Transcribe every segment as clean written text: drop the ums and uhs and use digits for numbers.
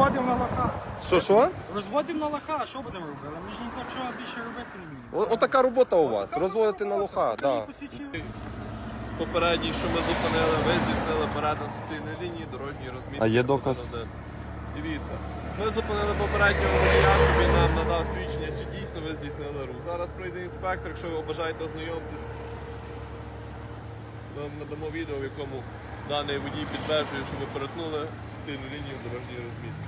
Розводимо на лоха. Що? Розводимо на лоха, що будемо робити? Ми ж нічого більше робити не вміємо. Отака робота у вас. Розводити на лоха, так. Попередній, що ми зупинили, ви здійснили перетин суцільної лінії, дорожньої розмітки. А є доказ? Дивіться. Ми зупинили попереднього водія, щоб він нам надав свідчення, чи дійсно ви здійснили рух. Зараз прийде інспектор, якщо ви бажаєте ознайомитись. Ми вам надамо відео, в якому даний водій підтверджує, що ви перетнули суцільну лінію дорожньої розмітки.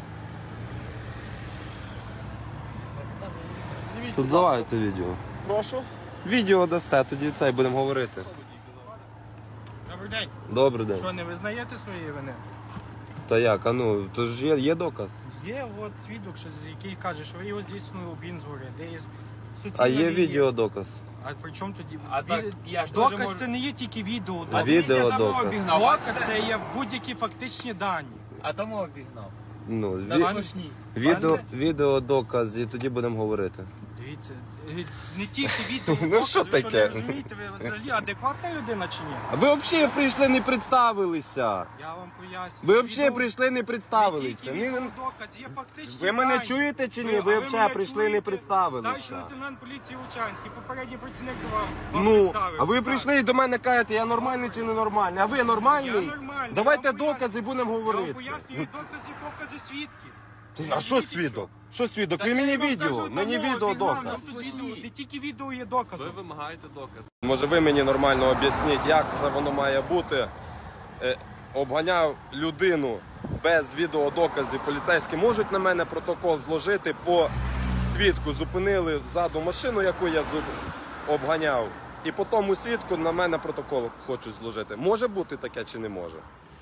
То давайте відео. Прошу. Відео дасте, тоді це і будемо говорити. Добрий день. Добрий день. Що, не визнаєте своєї вини? Та як, то ж є доказ. Є от свідок, який каже, що ви його здійснили обгін згори, де є суцільна А є лінія. відеодоказ. А при чому тоді? А так, я ж Доказ теж можу- це не є тільки відео. А Доказ, відеодоказ. обігнав. доказ це є будь-які фактичні дані. А тому обігнав. Ну, На смішні. відеодоказ, і тоді будемо говорити. Дивіться, не тільки відео, Ну, доказ, що ви що таке? не розумієте, ви взагалі адекватна людина чи ні? А ви взагалі прийшли, не представилися. Я вам пояснюю. Ви взагалі Відео- прийшли, не представилися. Не тільки відеодоказ, є фактичні Ви мене дані. чуєте чи ні? А Ви мене взагалі прийшли, не чуєте? представилися. Старший лейтенант поліції Лучанський, попередній працівник вам Ну, представився. а ви Так. прийшли і до мене кажете, я нормальний чи не нормальний? А ви нормальний? Я нормальний, Давайте я вам докази, будемо Я вам говорити. пояснюю докази, покази свідків. А що свідок? Що свідок? Ви мені відео, мені відео доказ. Не тільки відео є доказом. Ви вимагаєте доказ. Може ви мені нормально об'ясніть, як це воно має бути? Обганяв людину без відеодоказів. Поліцейські можуть на мене протокол зложити по свідку. Зупинили ззаду машину, яку я обганяв. І по тому свідку на мене протокол хочуть зложити. Може бути таке чи не може?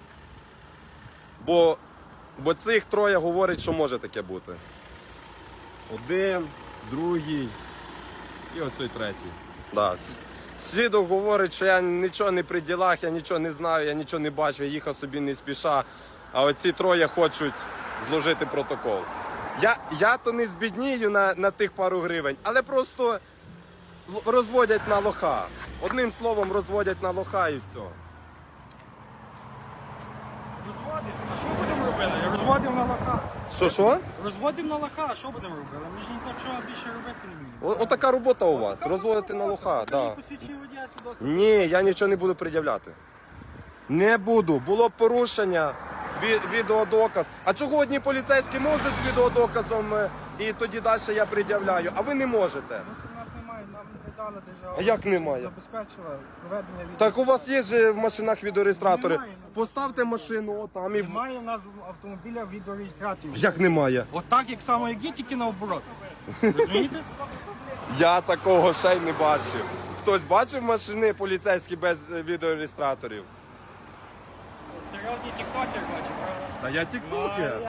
Бо цих троє говорять, що може таке бути. Один, другий і оцей третій. Да. Свідок говорить, що я нічого не при ділах, я нічого не знаю, я нічого не бачу, я їхав собі не спіша. А оці троє хочуть зложити протокол. Я то не збіднію на тих пару гривень, але просто розводять на лоха. Одним словом, розводять на лоха і все. Розводимо. А що будемо робити? Розводимо на лоха. Що? Розводимо на лоха, а що будемо робити? Ми ж нічого більше робити не вміємо. Отака робота у вас, розводити на лоха. Да. Посвідчення водія свідоцтво. Ні, я нічого не буду пред'являти. Не буду. Було дорушення, відеодоказ. А чого одні поліцейські можуть з відеодоказом і тоді далі я пред'являю, а ви не можете? Тому що в нас немає, нам не дала держава. А як немає? Забезпечила проведення відео. Так у вас є ж в машинах відеореєстратори. Немає. Поставте машину отам і... Немає в нас автомобіля відеореєстраторів. Як немає? Отак, як само, як є, тільки наоборот. Розумієте? Я такого ще й не бачив. Хтось бачив машини поліцейські без відеореєстраторів? Серйозний тіктокер бачу, правда? Та я тіктокер.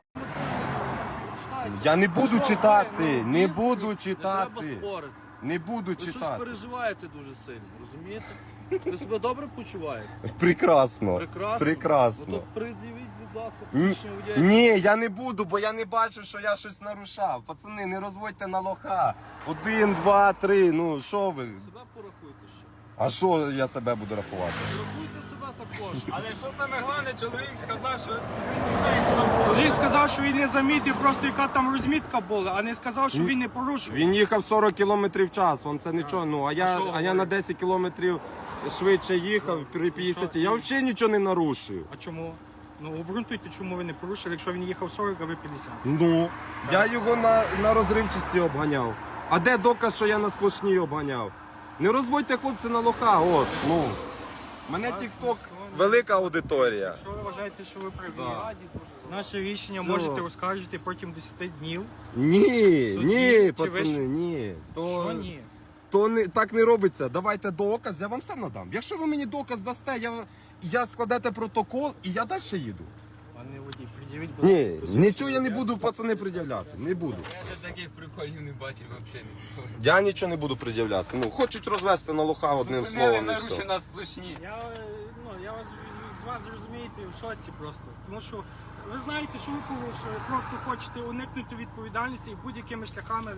Я не буду читати, не буду Треба читати. спорити. Не буду Ви щось читати. переживаєте дуже сильно, розумієте? Ви себе добре почуваєте? Прекрасно. Прекрасно. Прекрасно. Ну, то придивіть, будь ласка, Ні, посвідчення водія. ні, я не буду, бо я не бачив, що я щось нарушав. Пацани, не розводьте на лоха. 1, 2, 3, ну що ви? Себе порахуйте ще. А що я себе буду рахувати? Порахуйте себе також. Але що саме головне, чоловік сказав, що чоловік сказав, що він не замітив просто яка там розмітка була, а не сказав, що він не порушив. Він їхав 40 км в час, вам це нічого, ну, а я на 10 км швидше їхав при 50. Я взагалі нічого не нарушив. А чому? Ну обґрунтуйте, чому ви не порушили, якщо він їхав 40, а ви 50. Ну, я його на розривчості обганяв. А де доказ, що я на сплошній обганяв? Не розводьте хлопці на лоха, от, ну. Мене TikTok велика аудиторія. Якщо ви вважаєте, що ви праві, Раді дуже. наше рішення Все. можете оскаржити протягом 10 днів. Ні, Суді, ні, чи ви пацани, ж- ні. Що ні? То не, так не робиться. Давайте доказ, я вам все надам. Якщо ви мені доказ дасте, я складете протокол і я далі їду. Пане водій, пред'явіть, будь Ні, нічого я не буду, пацани, пред'являти. Не буду. Я ще таких приколів не бачив взагалі. Я нічого не буду пред'являти. Ну, хочуть розвести на лоха одним словом і все. на сплошні. Я вас з вас розумієте в шоці просто. Тому що ви знаєте, що ви порушили, просто хочете уникнути відповідальності і будь-якими шляхами.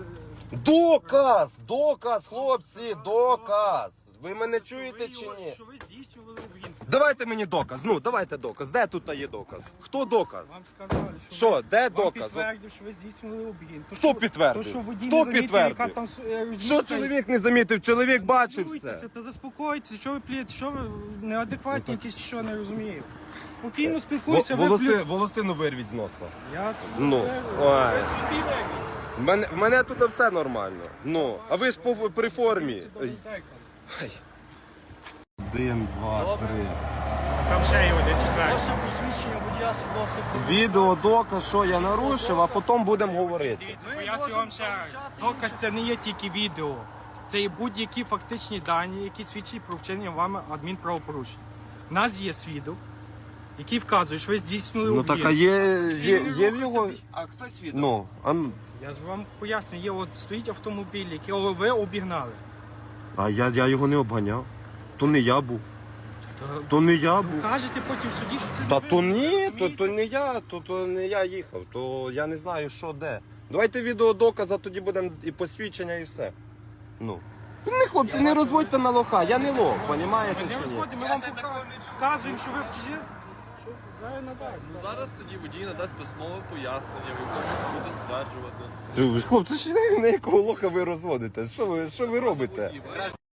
Доказ, хлопці, доказ. Ви мене чуєте чи ні? Що ви здійснювали обгін. Давайте мені доказ. Ну, давайте доказ. Де тут є доказ? Хто доказ? Вам сказали, Що, де вам доказ? підтвердив, що ви здійснювали обгін. То, Хто що- підтвердив? То, що водій Хто не замітив, підтвердив? яка там Що чоловік не замітив? Чоловік бачив Спілкуйтеся все. та заспокойтеся, що ви плієте, що ви неадекватні якісь, що не розумію. Спокійно спілкуйся, ви Волосину вирвіть з носа. Я Ну, ви ой. собі вибіть. В мене тут все нормально. Ну, а ви ж при формі. Це добре дзеркало. 1, 2, 3. Там ще є один четвертий. Ваше посвідчення водія свідоцтво про Відео, доказ, що я нарушив, а потім будемо говорити. Дивіться, Ми пояснюю можемо вам ще раз. залучати Доказ це не є тільки відео. Це є будь-які фактичні дані, які свідчать про вчинення вами адмінправопорушень. У нас є свідок, який вказує, що ви здійснили Ну об'єкт. так, а є в його. А хто свідок? Ну, Я ж вам пояснюю, є от стоїть автомобіль, який ви обігнали. а я його не обганяв. То не я був. То не я був. Кажете потім в суді, що це Та не то ви, ні, розумієте? то не я, то не я їхав, то я не знаю, що де. Давайте відеодоказ, а тоді будемо і посвідчення, і все. Ну. Не, хлопці, не розводьте на лоха, я не лох, понімаєте Ми не чи ні? розходимо, ми вам вказуємо, що ви вчили. Що зараз надасть. Ну, зараз тоді водій надасть письмове пояснення, в якому буде стверджувати. Хлопці, ж на якого лоха ви розводите? Що ви робите? Водій,